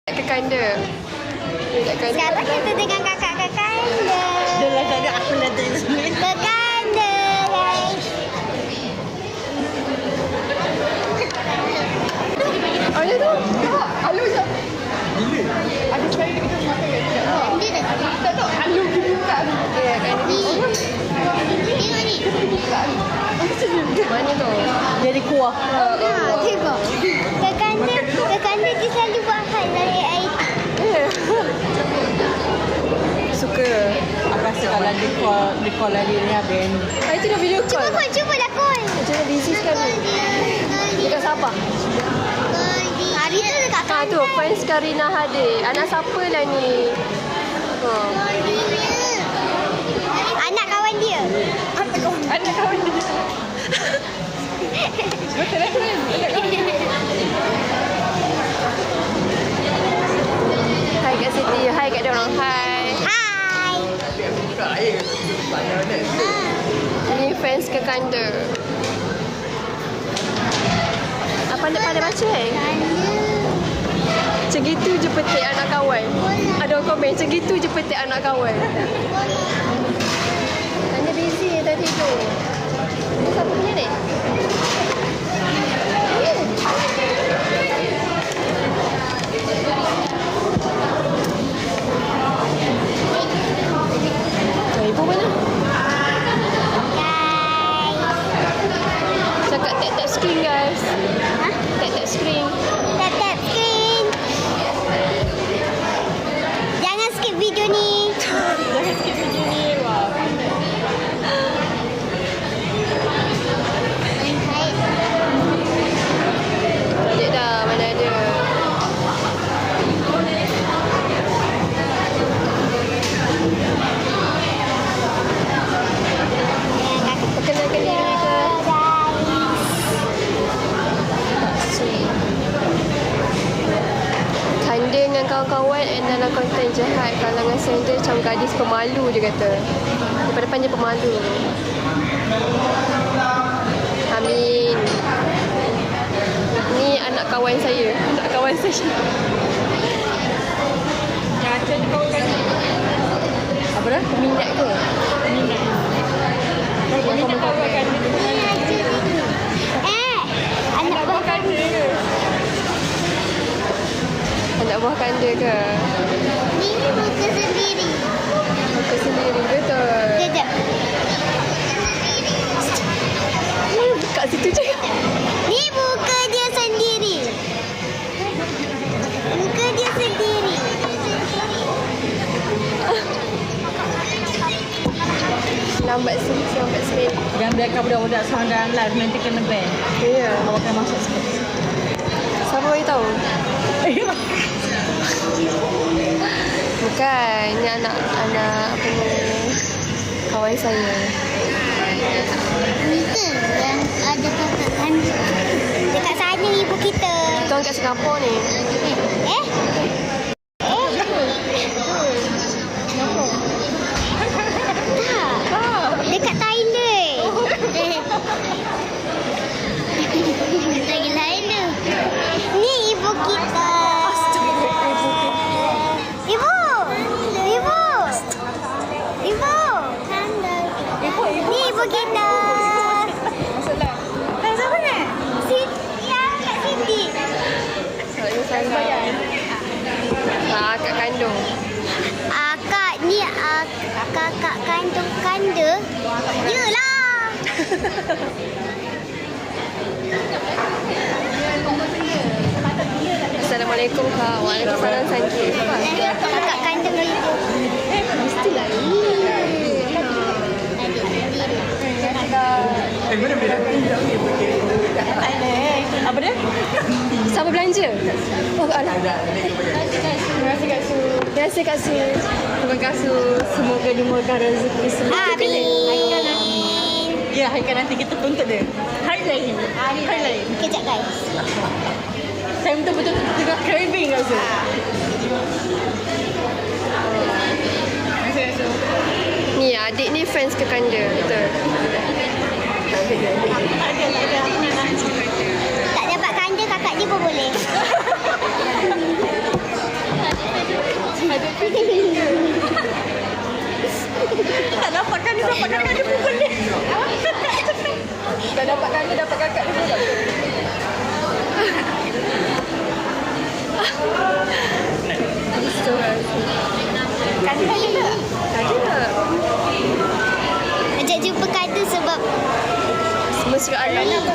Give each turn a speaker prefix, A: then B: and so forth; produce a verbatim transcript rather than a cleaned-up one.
A: Ke kanda.
B: Sekarang kita dengan kakak-kakak kanda.
C: Dah lah tak ada apa nak tengok sini.
B: Ke kanda, guys.
A: Oh, ya tu. Tak, alu je. Gila. Ada sekali kita makan kat sini.
B: Dia dah tak.
A: Tak tahu, alu kita buka. Ya, kan.
B: Ni. Tengok ni.
A: Mana tu?
C: Jadi kuah.
B: Ha, tengok. Ke kanda, ke kanda dia selalu buat hal dari air.
A: Suka.
C: Aku rasa kalau dia call, dia call lagi ni habis.
A: Ah, itu dah video
B: Cuba
A: call.
B: call, cuba lah call.
A: Macam mana busy sekarang? Dekat Sabah.
B: Hari tu dekat
A: Ha tu, fans Karina Hadir. Anak siapa lah ni? Ha.
B: Anak kawan dia.
A: Anak kawan dia. Betul lah kan? Hai kat Siti. Hai kat diorang. Hai.
B: Hai.
A: Ini fans ke kanda. Apa anda pandai baca eh? Macam gitu je petik anak kawan. Ada orang komen, macam gitu je petik anak kawan. Kanda busy tadi tidur. Ini siapa punya ni? Oh, ibu mana? Cakap tap-tap screen guys.
B: Ha?
A: Tap-tap screen.
B: Tap tap screen. Jangan skip video ni.
A: Jangan skip video ni. Wah. Balik dah. Mana ada. Perkenalkan diri ke? Kanda dengan kawan-kawan and dalam konten jahat kalangan sender macam gadis pemalu dia kata. Daripada panjang pemalu. Amin. Ni anak kawan saya. Anak kawan saya. Caca ni kawan kan? Apa dah? Peminat ke? Peminat. Yang kamu kawan kan?
B: Eh, anak buah
A: Kanda ke? Anak buah kanda ke?
B: ni muka sendiri.
A: Muka sendiri betul.
B: Kejap.
A: Kat situ je.
B: Ni muka dia sendiri. Muka dia sendiri.
A: Lambat sih, lambat sikit.
C: Jangan biarkan budak-budak seorang dalam live nanti kena ban.
A: Ya.
C: Awak akan masuk sikit.
A: Siapa bagi tahu? Bukan, ni anak anak apa ni? Kawan saya.
B: Itu yang ada kakak kan. Dekat sana ibu kita.
A: Kita orang kat Singapura ni.
B: Eh? Eh? Tak. Dekat Thailand. Lagi lain tu. Ni ibu kita. Ibu. Ibu. Ibu. Ni ibu kita. Hai, siapa ni? Siti. Ya, Kak Siti.
A: Saya saya. Ah, kat kandung.
B: Akak ni ak, kakak kandung kanda. Yelah.
A: Assalamualaikum Kak. Waalaikumsalam Santi.
B: Kakak kandung ibu.
A: Mestilah ni.
C: Apa dia?
A: Siapa belanja? Oh, alah. Terima kasih Kak Su. Terima kasih Kak Su. Terima kasih. Semoga dimurahkan rezeki selalu.
B: Amin.
C: Ya, Haikal nanti kita tuntut dia. Highlight. Highlight.
B: Kejap guys.
C: Saya betul-betul tengah craving rasa.
A: Ni adik ni fans ke kanda. Betul.
B: Tak dapat kanda kakak dia pun boleh.
C: dapat kakak dia pukul dia. Dah dapat kakak, dapat kakak dia pukul.
A: Kanda ada tak? Ada.
B: Ajak jumpa Kanda sebab
A: Semua suka alam.